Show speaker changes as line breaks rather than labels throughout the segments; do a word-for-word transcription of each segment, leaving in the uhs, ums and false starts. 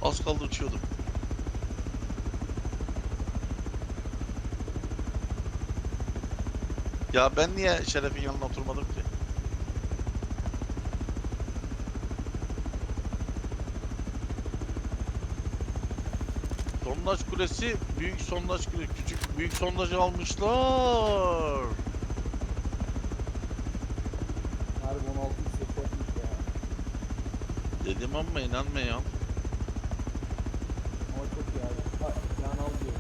Az kaldı uçuyordum. Ya ben niye Şeref'in yanına oturmadım ki? Sondaj kulesi, büyük sondaj kulesi, küçük büyük sondajı almışlar.
Harbi on altı hissettirmiş ya.
Dedim ama inanmayın.
Ama çok iyi abi. Ha, yan al diyor.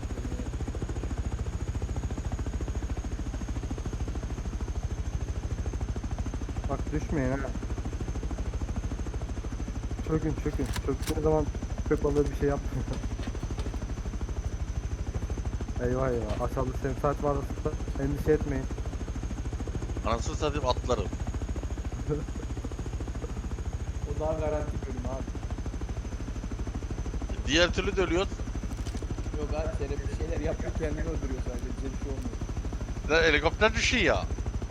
Bak düşmeyin ha. Çökün çökün. Çöktüğünüz zaman köpek balığı bir şey yapmıyor. Eyvah eyvah. Aşağıda sensat varsa endişe etmeyin.
Anasını satayım atlarım.
O daha garanti bölüm abi.
Diğer türlü de ölüyor.
Yok abi Şeref bir şeyler yapıyor kendini öldürüyor sadece. Bize bir şey olmuyor.
Ve helikopter düşüyor ya.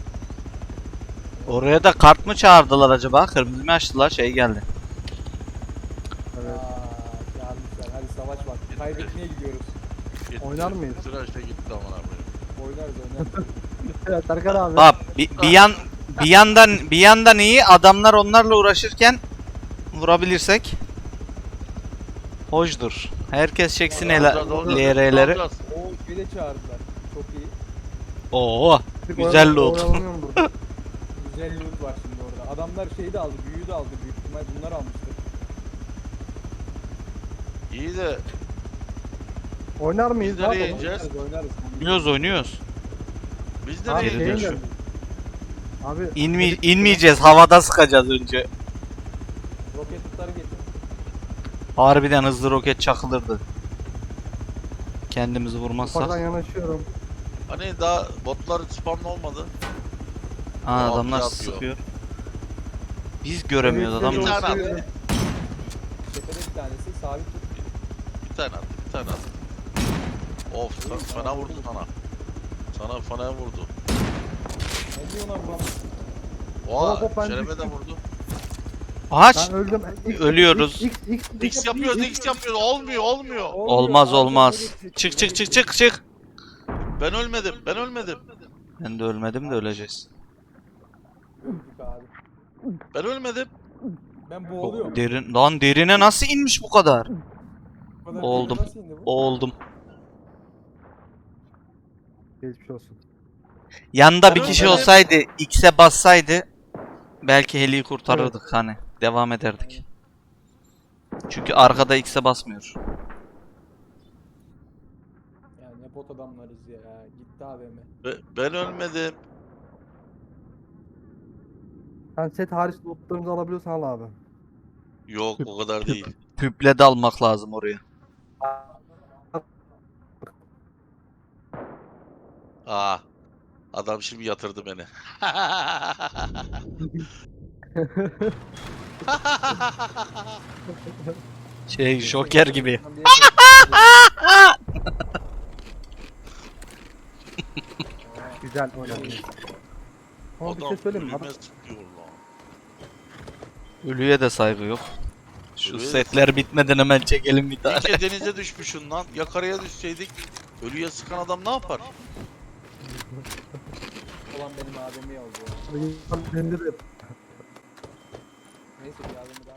Oraya da kart mı çağırdılar acaba? Kırmızı mı açtılar? Şey geldi.
Evet.
Aaa çağırmışlar. Hadi savaş vakti. Kaybetmeye gidiyoruz.
Gitti.
Oynar mıyız?
Sıra işte gitti aman abi.
Oynarız oynarız.
Evet Erkan abi.
Bak bir, bir yan bir yandan bir yandan iyi adamlar onlarla uğraşırken vurabilirsek hoşdur. Herkes çeksin ele
Alacağız, alacağız,
L R'leri.
alacağız.
Oo şey de çağırdılar. Çok iyi.
Oo,
Bir
güzel
oyalan-
loot.
oyalanıyorum burada.
Güzel loot var şimdi orada. Adamlar şeyi de aldı. Büyüyü de aldı. Büyük ihtimal bunlar almıştır.
İyi de
Oynar mıyız?
Biz nereye
Abi?
ineceğiz?
Oynarız oynarız.
Oynuyoruz oynuyoruz.
biz
Abi
nereye
Geri
şeyin
dön.
gidiyoruz?
geldi. Abi
İnme, inmeyeceğiz. Havada sıkacağız önce.
Roketleri getir.
Harbiden hızlı roket çakılırdı. Kendimizi vurmazsak.
ufaktan yanaşıyorum.
Hani daha botlar spamlı olmadı.
Aa,
Aa,
adamlar
yapıyor.
sıkıyor. Biz göremiyoruz
Evet,
adam.
Bir tane
evet.
attı.
Tepede bir tanesi sabit tut.
Bir tane attı. Bir tane attı. Of sana, fena vurdu sana. Sana fena vurdu.
Ne diyor lan bu?
Oha
Hop, hop, ben
Şeref'e de
düştüm.
vurdu.
Ağaç.
Ben öldüm. X,
Ölüyoruz.
X, X, X,
X yapıyoruz, X yapıyoruz. Olmuyor, olmuyor.
Olmaz olmaz. Çık çık çık çık çık.
Ben ölmedim, ben ölmedim.
Ben de ölmedim de öleceğiz.
Öldük abi.
Ben ölmedim.
Ben boğuluyorum.
Derin lan derine nasıl inmiş bu kadar?
Bu kadar
Oldum.
derin nasıl indi bu?
Oldum.
Geçmiş olsun.
Yanında bir
Ben
kişi
ölmedim.
olsaydı, X'e bassaydı belki heliyi kurtarırdık hani. Devam ederdik. Çünkü arkada X'e basmıyor.
Ya ne bot adamlarız ya. Gitti A V M.
Be- Ben ölmedim.
Sen set hariç lootlarımızı alabiliyorsan al abi.
Yok, o kadar değil.
Tüple de almak lazım oraya.
Aa, adam şimdi yatırdı beni.
Şey Joker gibi.
Ben bir yere-
Güzel oynadın. Ama bir şey söyleyeyim mi? Adam-
ölüme sıkıyor lan.
Ölüye de saygı yok. Şu
Ölüye de
setler bitmeden hemen çekelim bir tane.
İyice denize düşmüşsün lan. Ya karaya düşseydik ölüye sıkan adam ne yapar?
Olan benim A V M'yi aldı ya.
Bende de
Neyse bir A V M daha